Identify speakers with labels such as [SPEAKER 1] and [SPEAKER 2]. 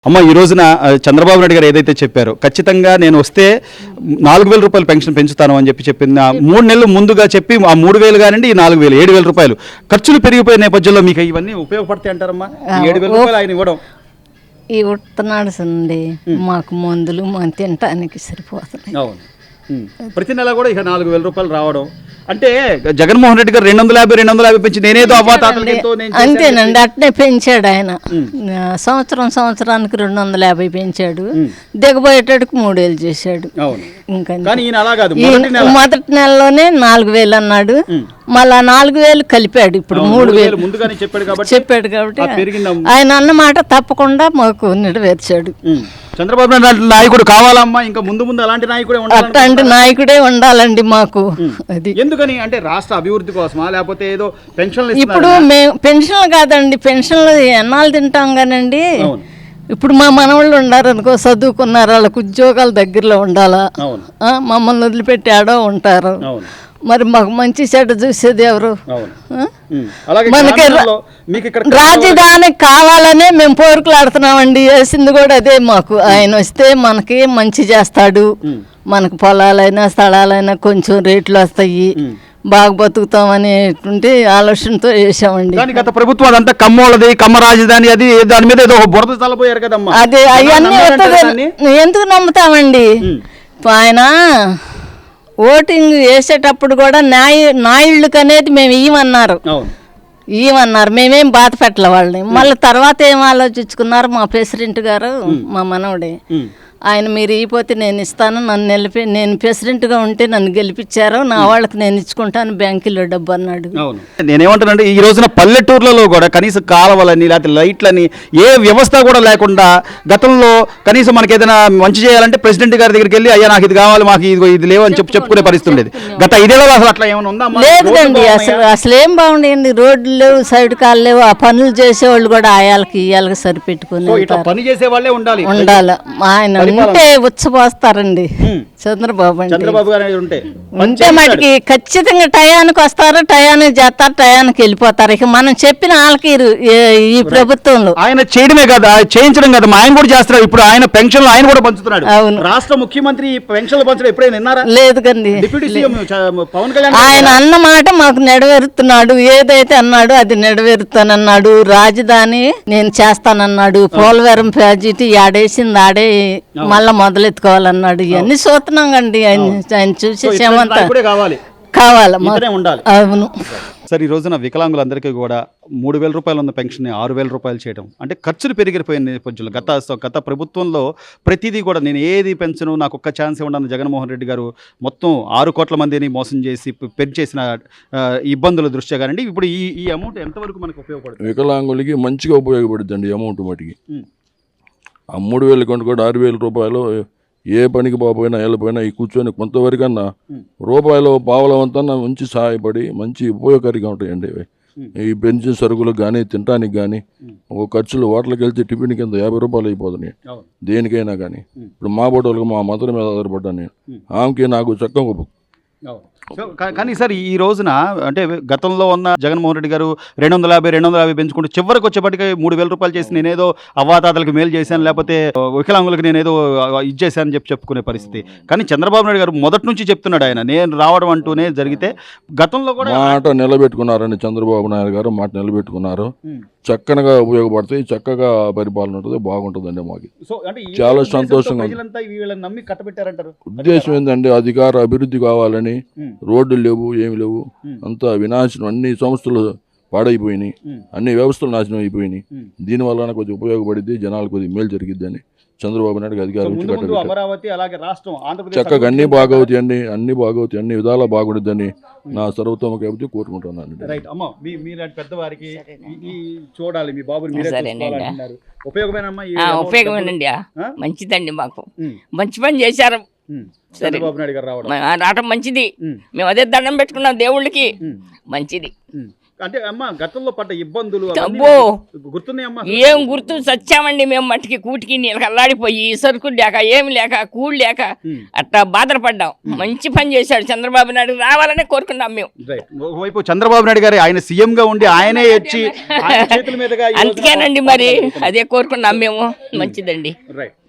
[SPEAKER 1] అమ్మ ఈ రోజున చంద్రబాబు నాయుడు గారు ఏదైతే చెప్పారో ఖచ్చితంగా నేను వస్తే 4,000 రూపాయలు పెన్షన్ పెంచుతాను అని చెప్పిన 3 నెలలు ముందుగా చెప్పి ఆ 3,000 కానివ్వండి ఈ 4,000 7,000 రూపాయలు ఖర్చులు పెరిగిపోయిన నేపథ్యంలో మీకు ఇవన్నీ ఉపయోగపడతాయి అంటారమ్మా? 7,000 రూపాయలు ఆయన ఇవ్వడం
[SPEAKER 2] ఈ ఉత్తనాడు సండి మాకు మందులు మనం తినటానికి సరిపోతున్నాయి.
[SPEAKER 1] అవును, ప్రతి నెల కూడా ఇక 4,000 రూపాయలు రావడం అంటే జగన్మోహన్ రెడ్డి గారు 250 పెంచి నేనేదో
[SPEAKER 2] అంతేనండి, అట్నే పెంచాడు ఆయన. సంవత్సరానికి 250 పెంచాడు, దిగబోయేటట్టుకు 3,000 చేశాడు. ఇంకా మొదటి నెలలోనే 4,000 అన్నాడు, మళ్ళా 4,000 కలిపాడు, ఇప్పుడు 3,000 చెప్పాడు కాబట్టి ఆయన అన్నమాట తప్పకుండా మాకు నెరవేర్చాడు.
[SPEAKER 1] చంద్రబాబు నాయుడు నాయకుడు కావాలమ్మా, ఇంకా ముందు అలాంటి నాయకుడే
[SPEAKER 2] అట్లాంటి నాయకుడే ఉండాలండి మాకు. అది
[SPEAKER 1] ఎందుకని అంటే రాష్ట్ర అభివృద్ధి కోసమా లేకపోతే ఏదో పెన్షన్లు?
[SPEAKER 2] ఇప్పుడు మేము పెన్షన్లు కాదండి, పెన్షన్లు ఎన్నాళ్ళు తింటాం కానండి. ఇప్పుడు మా మనవాళ్ళు ఉన్నారు అనుకో, చదువుకున్నారు, వాళ్ళకు ఉద్యోగాలు దగ్గరలో ఉండాలా, మమ్మల్ని వదిలిపెట్టి ఆడో ఉంటారు. మరి మాకు మంచి చెడ్డ చూసేది ఎవరు? మనకి రాజధాని కావాలనే మేము పోరుకులాడుతున్నామండి. వేసింది కూడా అదే మాకు. ఆయన వస్తే మనకి మంచి చేస్తాడు, మనకు పొలాలైనా స్థలాలైనా కొంచెం రేట్లు వస్తాయి, బాగా బతుకుతాం అనేటువంటి ఆలోచనతో వేసామండి.
[SPEAKER 1] గత ప్రభుత్వం అదంతా కమ్మోళ్ళది, కమ్మ రాజధాని, అది దాని మీద ఏదో బురద చల్లపోయారు కదమ్మా.
[SPEAKER 2] అదే అవన్నీ ఎందుకు నమ్ముతామండి? ఆయన ఓటింగ్ వేసేటప్పుడు కూడా నాయుళ్ళకి అనేది మేము ఇవ్వమన్నారు, మేమేం బాధ పెట్టలే వాళ్ళని. మళ్ళీ తర్వాత ఏం ఆలోచించుకున్నారు మా ప్రెసిడెంట్ గారు, మా మనవడే, ఆయన మీరు ఇవ్వకపోతే నేను ఇస్తాను, నేను ప్రెసిడెంట్గా ఉంటే నన్ను గెలిపించారు, నా వాళ్ళకి నేను ఇచ్చుకుంటాను బ్యాంకులో డబ్బు అన్నాడు.
[SPEAKER 1] నేనేమంటానంటే ఈ రోజున పల్లెటూర్లలో కూడా కనీసం కాలువలని లేకపోతే లైట్లని ఏ వ్యవస్థ కూడా లేకుండా గతంలో కనీసం మనకి ఏదైనా మంచి చేయాలంటే ప్రెసిడెంట్ గారి దగ్గరికి వెళ్ళి అయ్యా నాకు ఇది కావాలి, మాకు ఇది లేవు అని చెప్పుకునే పరిస్థితి ఉండేది. గత 5 ఏళ్లలో అసలు అట్లా ఏమైనా ఉందా?
[SPEAKER 2] లేదండి, అసలు ఏం బాగుండేయండి. రోడ్లు లేవు, సైడ్ కాలు లేవు. ఆ పనులు చేసేవాళ్ళు కూడా ఆయాలకి ఇయ్యాలకి సరిపెట్టుకుని
[SPEAKER 1] పని చేసే వాళ్ళే ఉండాలి.
[SPEAKER 2] ఆయన ఉంటే ఉచ్చపోస్తారండి చంద్రబాబు
[SPEAKER 1] గారు
[SPEAKER 2] ఉంటే మటుకి ఖచ్చితంగా టయానికి వస్తారు, టయానికి చేస్తారు, టయానికి వెళ్ళిపోతారు. ఇక మనం చెప్పిన వాళ్ళకి ఈ ప్రభుత్వంలో
[SPEAKER 1] ఆయన చేయడమే కదా, చేయించడం కదా, ఆయన కూడా చేస్తున్నారు. ఇప్పుడు ఆయన పెన్షన్లు ఆయన కూడా పంచుతున్నాడు.
[SPEAKER 2] అవును,
[SPEAKER 1] రాష్ట్ర ముఖ్యమంత్రి పెన్షన్లు పంచడం ఎప్పుడైనా విన్నారా?
[SPEAKER 2] లేదు కండి.
[SPEAKER 1] డిప్యూటీ సీఎం పవన్ కళ్యాణ్
[SPEAKER 2] ఆయన అన్నమాట మాకు నెరవేరుతున్నాడు. ఏదైతే అన్నాడు అది నెరవేరుతానన్నాడు. రాజధాని నేను చేస్తానన్నాడు. పోలవరం ప్రాజెక్టు ఆడేసింది ఆడే మళ్ళా మొదలెత్తుకోవాలన్నాడు. ఇవన్నీ చూస్తున్నాం కండి. ఆయన చూసేసేమంతా కావాలి. అవును
[SPEAKER 1] సార్, ఈ రోజున వికలాంగులందరికీ కూడా 3,000 రూపాయలు ఉన్న పెన్షన్ 6,000 రూపాయలు చేయడం అంటే ఖర్చులు పెరిగిపోయిన నేపథ్యంలో గత ప్రభుత్వంలో ప్రతిదీ కూడా నేను ఏది పెంచను, నాకు ఒక్క ఛాన్స్ ఇవ్వడానికి జగన్మోహన్ రెడ్డి గారు మొత్తం 6 కోట్ల మందిని మోసం చేసి పెంచేసిన ఇబ్బందుల దృష్ట్యా కానివ్వండి, ఇప్పుడు ఈ అమౌంట్ ఎంతవరకు మనకు ఉపయోగపడుతుంది?
[SPEAKER 3] వికలాంగులకి మంచిగా ఉపయోగపడుతుంది అమౌంట్ మటుకి. ఆ 3,000 కంటే కూడా 6,000 రూపాయలు ఏ పనికి పోయినా వెళ్ళిపోయినా ఈ కూర్చొని కొంతవరకన్నా రూపాయలు పావలవంతా మంచి సహాయపడి మంచి ఉపయోగకరంగా ఉంటాయండి. ఈ పెన్షన్ సరుకులకు కానీ తినడానికి కానీ ఒక ఖర్చులు హోటల్కి వెళ్తే టిఫిన్ కింద 50 రూపాయలు అయిపోతున్నాయి దేనికైనా కానీ. ఇప్పుడు మా బోటోళ్ళకి మా మదర్ మీద ఆధారపడ్డాను నేను, ఆమెకి నాకు చక్కగా.
[SPEAKER 1] కానీ సార్ ఈ రోజున అంటే గతంలో ఉన్న జగన్మోహన్ రెడ్డి గారు 250 పెంచుకుంటూ చివరికి వచ్చేప్పటికి 3,000 రూపాయలు చేసి నేనేదో అవ్వాతాతలకు మేలు చేశాను, లేకపోతే వికలాంగులకు నేనేదో ఇచ్చేసానని చెప్పుకునే పరిస్థితి. కానీ చంద్రబాబు నాయుడు గారు మొదటి నుంచి చెప్తున్నాడు, ఆయన నేను రావడం అంటూనే జరిగితే గతంలో కూడా
[SPEAKER 3] మాట నిలబెట్టుకున్నారండి. చంద్రబాబు నాయుడు గారు మాట నిలబెట్టుకున్నారు. చక్కగా ఉపయోగపడతాయి, చక్కగా పరిపాలన ఉంటుంది, బాగుంటుందండి. మాకు చాలా సంతోషంగా ఉద్దేశం ఏంటంటే అధికార అభివృద్ధి కావాలని. రోడ్లు లేవు, ఏమి లేవు, అంతా వినాశనం. అన్ని సంస్థలు పాడైపోయినాయి, అన్ని వ్యవస్థలు నాశనం అయిపోయినాయి. దీనివల్ల కొద్దిగా ఉపయోగపడింది, జనాలు కొద్దిగా మేలు జరిగిద్ది అని చంద్రబాబు నాయుడు అధికారం చక్కగా అన్ని బాగవుతాయి అండి, అన్ని బాగవుతాయి, అన్ని విధాలా బాగుంటుందని నా సర్వతోముఖ అభివృద్ధి కోరుకుంటున్నాను.
[SPEAKER 4] ఉపయోగమేనండి, మంచిదండి, మాకు మంచి పని చేశారు. రావడం మంచిది. మేము అదే దండం పెట్టుకున్నాం దేవుళ్ళకి, మంచిది.
[SPEAKER 1] అంటే అమ్మ గతంలో పడ్డ ఇబ్బందులు అవన్నీ
[SPEAKER 4] అబ్బో.
[SPEAKER 1] మీకు గుర్తున్నాయమ్మా?
[SPEAKER 4] ఏం గుర్తు చచ్చామండి మేము మట్టికి కూటికి నీళ్ళకి అల్లాడిపోయి సరుకులు లేక ఏమి లేక కూడు లేక అట్లా బాధపడ్డాం. మంచి పని చేశాడు చంద్రబాబు నాయుడు, రావాలనే కోరుకున్నాం మేము.
[SPEAKER 1] రైట్. ఒకవైపు చంద్రబాబు నాయుడు గారు ఆయన సీఎం గా ఉండి ఆయనే వచ్చి ఆయన చేతుల మీదుగా ఈ రోజున
[SPEAKER 4] అందుకేనండి మరి అదే కోరుకున్నాం మేము. మంచిదండి.
[SPEAKER 1] రైట్.